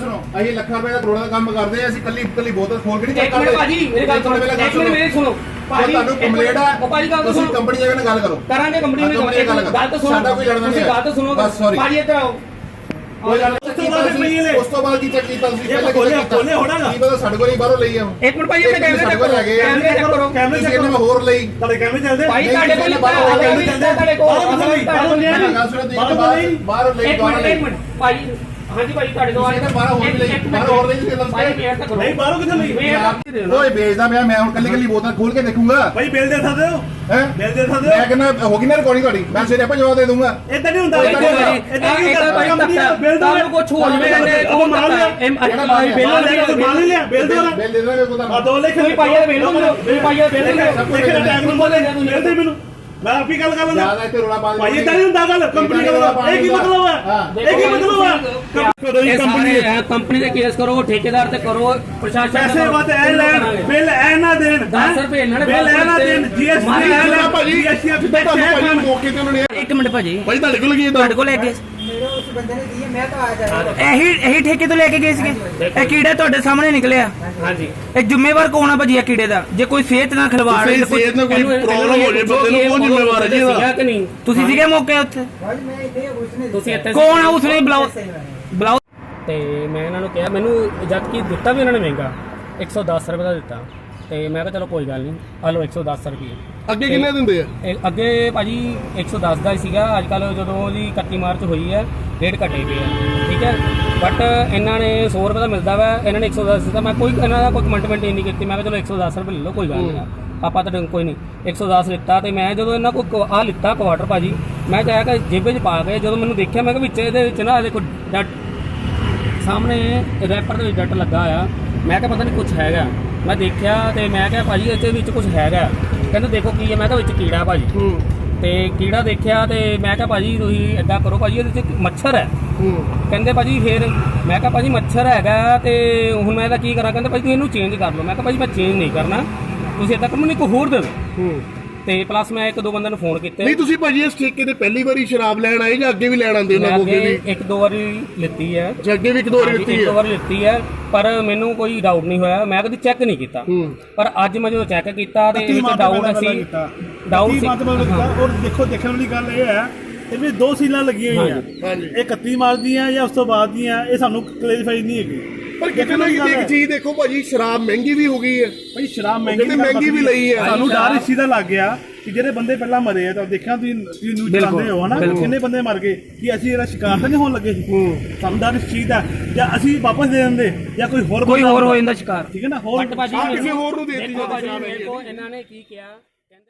ਸੁਣੋ ਅਸੀਂ ਲੱਖਾਂ ਰੁਪਏ ਦਾ ਕਰੋੜਾਂ ਦਾ ਕੰਮ ਕਰਦੇ ਆ ਅਸੀਂ ਕੱਲੀ ਬੋਤਲ ਖੋਲ ਕੇ ਨਹੀਂ ਚੈੱਕ ਕਰਦੇ ਭਾਜੀ ਮੇਰੀ ਗੱਲ ਸੁਣੋ ਇੱਕ ਮਿੰਟ ਮੇਰੀ ਸੁਣੋ ਭਾਜੀ ਤੁਹਾਨੂੰ ਕੰਪਲੇਂਟ ਆ ਉਹ ਭਾਜੀ ਗੱਲ ਤਾਂ ਸੁਣੋ ਕੰਪਨੀ ਜਾ ਕੇ ਗੱਲ ਕਰੋ ਕਰਾਂਗੇ ਕੰਪਨੀ ਨਾਲ ਗੱਲ ਤਾਂ ਸੁਣੋ ਸਾਡਾ ਕੋਈ ਲੜਨਾ ਨਹੀਂ ਗੱਲ ਤਾਂ ਸੁਣੋ ਭਾਜੀ ਇੱਧਰ ਆਓ ਉਸ ਤੋਂ ਬਾਅਦ ਕੀ ਚੈੱਕ ਕੀਤਾ ਤੁਸੀਂ ਪਹਿਲਾਂ ਕੋਲੇ ਹੋਣਾਗਾ ਕੀ ਪਤਾ ਸਾਡੇ ਕੋਲ ਹੀ ਬਾਹਰੋਂ ਲਈ ਆ ਇੱਕ ਮਿੰਟ ਭਾਜੀ ਆਪਣੇ ਕੈਮਰੇ ਚੈੱਕ ਕਰੋ ਕੈਮਰੇ ਚੈੱਕ ਕਰੋ ਹੋਰ ਲਈ ਤੁਹਾਡੇ ਕੈਮਰੇ ਚੱਲਦੇ ਭਾਈ ਤੁਹਾਡੇ ਕੋਲ ਕੈਮਰੇ ਚੱਲਦੇ ਤੁਹਾਡੇ ਕੋਲ ਬਾਹਰ ਲਈ ਇੱਕ ਮਿੰਟ ਭਾਜੀ ਹਾਂਜੀ ਭਾਈ ਤੁਹਾਡੇ ਕੋਲ ਬਾਹਰ ਹੋਰ ਲਈ ਤੁਸੀਂ ਭਾਈ ਮੇਰ ਤੱਕ ਨਹੀਂ ਬਾਹਰੋਂ ਕਿੱਥੇ ਲਈ ਓਏ ਵੇਚਦਾ ਪਿਆ ਮੈਂ ਹੁਣ ਕੱਲੀ ਬੋਤਲ ਖੋਲ ਕੇ ਦੇਖੂੰਗਾ ਭਾਈ ਬਿੱਲ ਦੇ ਸਕਦੇ ਹੋ ਹੈ ਬਿੱਲ ਦੇ ਸਕਦੇ ਹੋ ਮੈਂ ਕਹਿੰਦਾ ਹੋ ਗਈ ਨਾ ਰਿਕਾਰਡਿੰਗ ਤੁਹਾਡੀ ਮੈਂ ਸਿਰੇ ਆਪਾਂ ਜਵਾਬ ਦੇ ਦੂੰਗਾ ਇਦਾਂ ਨਹੀਂ ਹੁੰਦਾ ਇਦਾਂ ਕੀ ਹੁੰਦਾ ਬਿੱਲ ਤੁਹਾਨੂੰ ਕੁਝ ਹੋ ਜਵੇ ਉਹ ਮਾਲ ਲਿਆ ਬਿੱਲ ਲਿਆ ਬਿੱਲ ਦੇ ਦਾਂਗੇ ਕੋਈ ਆ 2 ਲੱਖ ਤੁਸੀਂ ਪਾਈਆ ਬਿੱਲ ਦਿਓ ਪਾਈਆ ਬਿੱਲ ਬਿੱਲ ਦੇ ਮੈਨੂੰ ਮੈਂ ਆਪੀ ਗੱਲ ਕਰ ਲੈਂਦਾ ਜਿਆਦਾ ਇੱਥੇ ਰੋਲਾ ਪਾ ਦੇ ਭਾਈ ਇਦਾਂ ਨਹੀਂ ਹੁੰਦਾ ਗੱਲ ਕੰਪਨੀ ਦਾ ਇਹ ਕੀ ਮਤਲਬ ਹੈ ਇਹ ਕੀ ਮਤਲਬ ਹੈ ਕੰਪਨੀ ਦੇ ਕੇਸ ਕਰੋ ਠੇਕੇਦਾਰ ਤੇ ਕਰੋ ਪ੍ਰਸ਼ਾਸਨ ਪੈਸੇ ਬਾਤ ਐ ਲੈਣ ਬਿੱਲ ਐ ਨਾ ਦੇਣ 10 ਰੁਪਏ ਇਹਨਾਂ ਨੇ ਬਿੱਲ ਐ ਨਾ ਦੇਣ ਜੀਐਸਟੀ ਐ ਨਾ ਭਾਜੀ ਜੀਐਸਟੀ ਆ ਤੁਹਾਨੂੰ ਭਾਜੀ ਮੌਕੇ ਤੇ ਉਹਨਾਂ ਨੇ ਇੱਕ ਮਿੰਟ ਭਾਜੀ ਭਾਈ ਤੁਹਾਡੇ ਕੋਲ ਕੀ ਤੁਹਾਡੇ ਕੋਲ ਲੈ ਕੇ ਮੇਰੇ ਉਸ ਬੰਦੇ ਨੇ ਦੀ ਮੈਂ ਤਾਂ ਆ ਜਾ ਇਹੀ ਠੇਕੇ ਤੋਂ ਲੈ ਕੇ ਗਏ ਸੀਗੇ ਇਹ ਕੀੜਾ ਤੁਹਾਡੇ ਸਾਹਮਣੇ ਨਿਕਲਿਆ ਹਾਂਜੀ ਇਹ ਜ਼ਿੰਮੇਵਾਰ ਕੌਣ ਆ ਭਾਜੀ ਇਹ ਕੀੜੇ ਦਾ ਜੇ ਕੋਈ ਸਿਹਤ ਨਾਲ ਖਿਲਵਾੜ ਸਿਹਤ ਨਾਲ ਕੋਈ ਪ੍ਰੋਬਲਮ ਹੋ ਜੇ ਬੰਦੇ ਨੂੰ ਕੌਣ ਜ਼ਿੰਮੇਵਾਰ ਹੈ ਜੀ ਇਹਦਾ ਕਿ ਨਹੀਂ ਤੁਸੀਂ ਸੀਗੇ ਮੌਕੇ ਉੱਥੇ ਭਾਈ ਮੈਂ ਇੱਥੇ ਉਸਨੇ ਤੁਸੀਂ ਇੱਥੇ ਕੌਣ ਆ ਉਸਨੇ ਬੁਲਾਓ ਤੇ ਮੈਂ ਇਹਨਾਂ ਨੂੰ ਕਿਹਾ ਮੈਨੂੰ ਜਦ ਕਿ ਦਿੱਤਾ ਵੀ ਇਹਨਾਂ ਨੇ ਮਹਿੰਗਾ 110 ਰੁਪਏ ਦਾ ਦਿੱਤਾ ਤੇ ਮੈਂ ਕਿਹਾ ਚਲੋ ਕੋਈ ਗੱਲ ਨਹੀਂ ਆ ਲਓ 110 ਰੁਪਏ ਅੱਗੇ ਕਿੰਨੇ ਦਿੰਦੇ ਆ ਅੱਗੇ ਭਾਜੀ 110 ਦਾ ਹੀ ਸੀਗਾ ਅੱਜ ਕੱਲ ਜਦੋਂ ਦੀ 31 ਮਾਰਚ ਹੋਈ ਹੈ ਰੇਟ ਘਟੇ ਪਏ ਆ ਠੀਕ ਹੈ ਬਟ ਇਹਨਾਂ ਨੇ 100 ਰੁਪਏ ਦਾ ਮਿਲਦਾ ਵਾ ਇਹਨਾਂ ਨੇ 110 ਦਿੱਤਾ ਮੈਂ ਕੋਈ ਇਹਨਾਂ ਦਾ ਕੋਈ ਕਮੈਂਟਮੈਂਟ ਨਹੀਂ ਕੀਤੀ ਮੈਂ ਕਿਹਾ ਚਲੋ 110 ਰੁਪਏ ਲੈ ਲਓ ਕੋਈ ਗੱਲ ਨਹੀਂ ਆਪਾਂ ਤਾਂ ਕੋਈ ਨਹੀਂ 110 ਲਿੱਤਾ ਤੇ ਮੈਂ ਜਦੋਂ ਇਹਨਾਂ ਕੋਲ ਆਹ ਲਿੱਤਾ ਕੁਆਟਰ ਭਾਜੀ ਮੈਂ ਚਾਹਿਆ ਕਿ ਜੇਬੇ 'ਚ ਪਾ ਕੇ ਜਦੋਂ ਮੈਨੂੰ ਦੇਖਿਆ ਮੈਂ ਕਿਹਾ ਵਿੱਚ ਇਹਦੇ ਵਿੱਚ ਨਾ ਦੇਖੋ ਡੱਟ ਸਾਹਮਣੇ ਰੈਪਰ ਦੇ ਵਿੱਚ ਡੱਟ ਲੱਗਾ ਆ ਮੈਂ ਕਿਹਾ ਪਤਾ ਨਹੀਂ ਕੁਝ ਹੈਗਾ ਮੈਂ ਦੇਖਿਆ ਤੇ ਮੈਂ ਕਿਹਾ ਭਾਜੀ ਇਹਦੇ ਵਿੱਚ ਕੁਝ ਹੈਗਾ ਕਹਿੰਦੇ ਦੇਖੋ ਕੀ ਹੈ ਮੈਂ ਕਿਹਾ ਵਿੱਚ ਕੀੜਾ ਭਾਜੀ ਤੇ ਕੀੜਾ ਦੇਖਿਆ ਤੇ ਮੈਂ ਕਿਹਾ ਭਾਜੀ ਤੁਸੀਂ ਏਦਾਂ ਕਰੋ ਭਾਜੀ ਇਹਦੇ ਵਿੱਚ ਮੱਛਰ ਹੈ ਕਹਿੰਦੇ ਭਾਜੀ ਫਿਰ ਮੈਂ ਕਿਹਾ ਭਾਜੀ ਮੱਛਰ ਹੈਗਾ ਤੇ ਹੁਣ ਮੈਂ ਇਹਦਾ ਕੀ ਕਰਾਂ ਕਹਿੰਦੇ ਭਾਜੀ ਤੁਸੀਂ ਇਹਨੂੰ ਚੇਂਜ ਕਰ ਲਓ ਮੈਂ ਕਿਹਾ ਭਾਜੀ ਮੈਂ ਚੇਂਜ ਨਹੀਂ ਕਰਨਾ ਤੁਸੀਂ ਏਦਾਂ ਕਰੋ ਮੈਨੂੰ ਇੱਕ ਹੋਰ ਦੇ ਦਿਓ ਤੇ ਪਲੱਸ ਮੈਂ ਇੱਕ ਦੋ ਬੰਦਿਆਂ ਨੂੰ ਫੋਨ ਕੀਤੇ ਨਹੀਂ ਤੁਸੀਂ ਭਾਜੀ ਇਸ ਠੇਕੇ ਤੇ ਪਹਿਲੀ ਵਾਰੀ ਸ਼ਰਾਬ ਲੈਣ ਆਏ ਜਾਂ ਅੱਗੇ ਵੀ ਲੈਣ ਆਉਂਦੇ ਉਹਨਾਂ ਕੋਲ ਵੀ ਇੱਕ ਦੋ ਵਾਰੀ ਲਿੱਤੀ ਹੈ ਜੇ ਅੱਗੇ ਵੀ ਇੱਕ ਦੋ ਵਾਰੀ ਲਿੱਤੀ ਹੈ ਇੱਕ ਦੋ ਵਾਰੀ ਲਿੱਤੀ ਹੈ ਪਰ ਮੈਨੂੰ ਕੋਈ ਡਾਊਟ ਨਹੀਂ ਹੋਇਆ ਮੈਂ ਕਦੀ ਚੈੱਕ ਨਹੀਂ ਕੀਤਾ ਪਰ ਅੱਜ ਮੈਂ ਜਦੋਂ ਚੈੱਕ ਕੀਤਾ ਤੇ ਇਹ ਡਾਊਟ ਸੀ ਡਾਊਟ ਸੀ ਔਰ ਦੇਖੋ ਦੇਖਣ ਵਾਲੀ ਗੱਲ ਇਹ ਹੈ ਇਹ ਵੀ 2 ਸੀਲਾਂ ਲੱਗੀਆਂ ਹੋਈਆਂ ਇਹ 31 ਮਾਰਚ ਦੀਆਂ ਜਾਂ ਉਸ ਤੋਂ ਬਾਅਦ ਦੀਆਂ ਇਹ ਸਾਨੂੰ ਕਲੈਰੀਫਾਈ ਨਹੀਂ ਹੈਗੀ ਪਰ ਕਿਤੇ ਨਾ ਕਿਤੇ ਇੱਕ ਚੀਜ਼ ਦੇਖੋ ਭਾਜੀ ਸ਼ਰਾਬ ਮਹਿੰਗੀ ਵੀ ਹੋ ਗਈ ਹੈ ਭਾਈ ਸ਼ਰਾਬ ਮਹਿੰਗੀ ਵੀ ਲਈ ਹੈ ਸਾਨੂੰ ਡਰ ਇਸ ਚੀਜ਼ ਦਾ ਲੱਗ ਗਿਆ ਕਿ ਜਿਹੜੇ ਬੰਦੇ ਪਹਿਲਾਂ ਮਰੇ ਆ ਤਾਂ ਦੇਖਿਆ ਤੁਸੀਂ ਨਿਊਜ਼ ਚਲਾਉਂਦੇ ਹੋ ਹਨਾ ਕਿੰਨੇ ਬੰਦੇ ਮਰ ਗਏ ਕਿ ਅਸੀਂ ਇਹਦਾ ਸ਼ਿਕਾਰ ਤਾਂ ਨਹੀਂ ਹੋਣ ਲੱਗੇ ਸੀ ਸਾਨੂੰ ਡਰ ਇਸ ਚੀਜ਼ ਦਾ ਜਾਂ ਅਸੀਂ ਵਾਪਸ ਦੇ ਦਿੰਦੇ ਜਾਂ ਕੋਈ ਹੋਰ ਹੋ ਜਾਂਦਾ ਸ਼ਿਕਾਰ ਠੀਕ ਹੈ ਨਾ ਹੋਰ ਕਿਸੇ ਹੋਰ ਨੂੰ ਦੇ ਦਿੱਤੀ ਜਾਂਦੀ ਇਹਨਾਂ ਨੇ ਕੀ ਕਿਹਾ